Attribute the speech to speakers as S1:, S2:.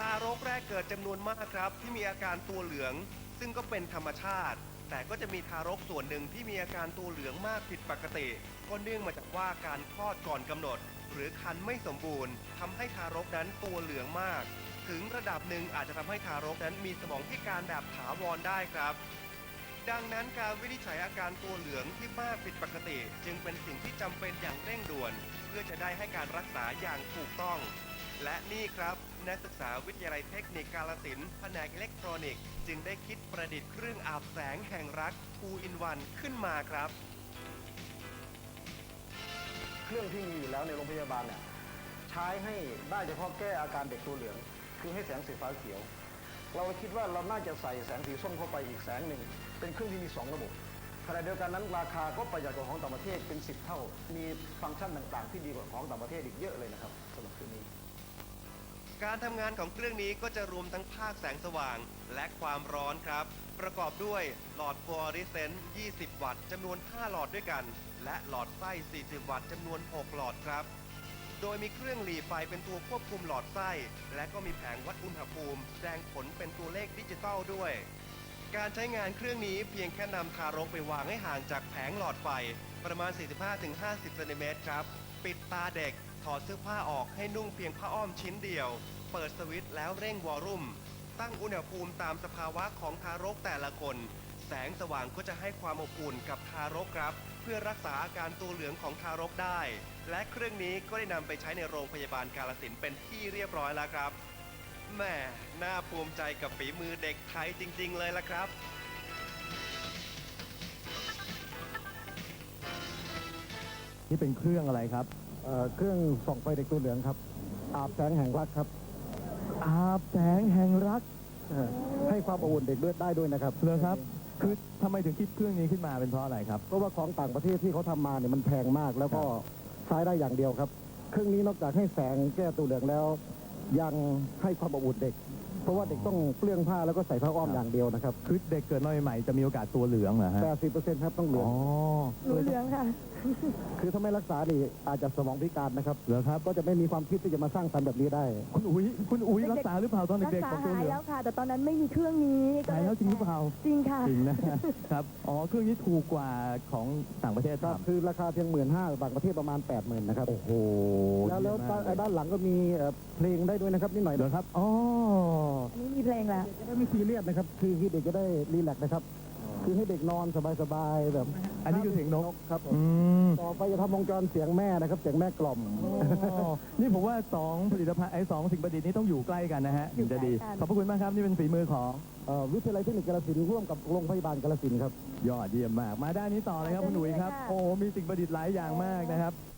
S1: ารกแรกเกิดจำนวนมากครับที่มีอาการตัวเหลืองซึ่งก็เป็นธรรมชาติแต่ก็จะมีทารกส่วนหนึ่งที่มีอาการตัวเหลืองมากผิดปกติก็เนื่องมาจากว่าการคลอดก่อนกำหนดหรือครรภ์ไม่สมบูรณ์ทำให้ทารกนั้นตัวเหลืองมากถึงระดับหนึ่งอาจจะทำให้ทารกนั้นมีสมองพิการแบบถาวรได้ครับดังนั้นการวินิจฉัยอาการตัวเหลืองที่มากผิดปกติจึงเป็นสิ่งที่จำเป็นอย่างเร่งด่วนเพื่อจะได้ให้การรักษาอย่างถูกต้องและนี่ครับนักศึกษาวิทยาลัยเทคนิคกาฬสินธุ์แผนกอิเล็กทรอนิกส์จึงได้คิดประดิษฐ์เครื่องอาบแสงแห่งรัก 2 in 1 ขึ้นมาครับ
S2: เครื่องที่มีอยู่แล้วในโรงพยาบาลเนี่ยใช้ให้ได้เฉพาะแก้อาการเด็กตัวเหลืองคือให้แสงสีฟ้าเขียวเราคิดว่าเราน่าจะใส่แสงสีส้มเข้าไปอีกแสงหนึ่งเป็นเครื่องที่มี2ระบบขณะเดียวกันนั้นราคาก็ประหยัดกว่าของต่างประเทศเป็น10 เท่ามีฟังก์ชันต่างๆที่ดีกว่าของต่างประเทศอีกเยอะเลยนะครับสำหรับเครื่องนี้
S1: การทำงานของเครื่องนี้ก็จะรวมทั้งภาคแสงสว่างและความร้อนครับประกอบด้วยหลอดฟลูออเรสเซนต์20 วัตต์จำนวน5หลอดด้วยกันและหลอดไส้40 วัตต์จำนวน6หลอดครับโดยมีเครื่องหลีไฟเป็นตัวควบคุมหลอดไส้และก็มีแผงวัดอุณหภูมิแสดงผลเป็นตัวเลขดิจิตอลด้วยการใช้งานเครื่องนี้เพียงแค่นำทารกไปวางให้ห่างจากแผงหลอดไฟประมาณ 45-50 เซนติเมตรครับปิดตาเด็กถอดเสื้อผ้าออกให้นุ่งเพียงผ้าอ้อมชิ้นเดียวเปิดสวิตช์แล้วเร่งวอลลุ่มตั้งอุณหภูมิตามสภาวะของทารกแต่ละคนแสงสว่างก็จะให้ความอบอุ่นกับทารกครับเพื่อรักษาอาการตัวเหลืองของทารกได้และเครื่องนี้ก็ได้นำไปใช้ในโรงพยาบาลกาฬสินธุ์เป็นที่เรียบร้อยแล้วครับแม่น่าภูมิใจกับฝีมือเด็กไทยจริงๆเลยละครับ
S3: นี่เป็นเครื่องอะไรครับ
S2: เครื่องส่องไฟเด็กตัวเหลืองครับอาบแสงแห่งรักครับ
S3: อาบแสงแห่งรัก
S2: ให้ความอบอุ่นเด็กด้วยได้ด้วยนะครับ
S3: เลยครับคือทำไมถึงคิดเครื่องนี้ขึ้นมาเป็นเพราะอะไรครับ
S2: เพราะว่าของต่างประเทศที่เขาทำมาเนี่ยมันแพงมากแล้วก็ใช้ได้อย่างเดียวครับเครื่องนี้นอกจากให้แสงแก้ตัวเหลืองแล้วยังให้ความอบอุ่นเด็กเพราะว่าเด็กต้องเปลื้องผ้าแล้วก็ใส่ผ้าอ้อมอย่างเดียวนะครับ
S3: คือเด็กเกิดมาใหม่ๆจะมีโอกาสตัวเหลืองเหรอฮะ
S2: 80%ครับต้องเหลือง
S4: หนูเหลืองค่ะ
S2: คือถ้าไม่รักษานี่อาจจะสมองพิการนะครับ
S3: เหรอครับ
S2: ก็จะไม่มีความคิดที่จะมาสร้างสรรค์แบบนี้ได้
S3: คุณอุ๋ยรักษาหรือเปล่าตอนเด็กๆของตัวเหลือง
S4: รักษาหายแล้วค่ะแต่ตอนนั้นไม่มีเครื่องนี้
S3: หายแล้วจริงหรือเปล่า
S4: จริงค่ะ
S3: จริงนะครับอ๋อเครื่องนี้ถูกกว่าของต่างประเทศครับ
S2: คือราคาเพียง15,000ต่างประเทศประมาณ 80,000นะครับ
S3: โอ้โห
S2: แล้วด้านหลังก็มีเพลงได้ด้วยนะครับนิดหน่อย
S3: เหรอครับอ๋อ
S4: อันนี้มีเพลงแล้ว
S2: จะได้ไม่ซีเรียสนะครับคือเด็กจะได้รีแลกซ์นะครับคือให้เด็กนอนสบายๆแบบ
S3: อันนี้คือเสียงนก
S2: ครับต่อไปจะทำวงจรเสียงแม่นะครับเสียงแม่กล่อม
S3: นี่ผมว่า2ผลิตภัณฑ์2สิ่งประดิษฐ์นี้ต้องอยู่ใกล้กันนะฮะถึงจะดีขอบพระคุณมากครับนี่เป็นฝีมือของ
S2: วิทยาลัยเทคนิคกาฬสินธุ์ร่วมกับโรงพยาบาลกาฬสินธุ์ครับ
S3: ยอดเยี่ยมมากมาด้านนี้ต่อเลยครับคุณหนุ่ยครับโอ้มีสิ่งประดิษฐ์หลายอย่างมากนะครับ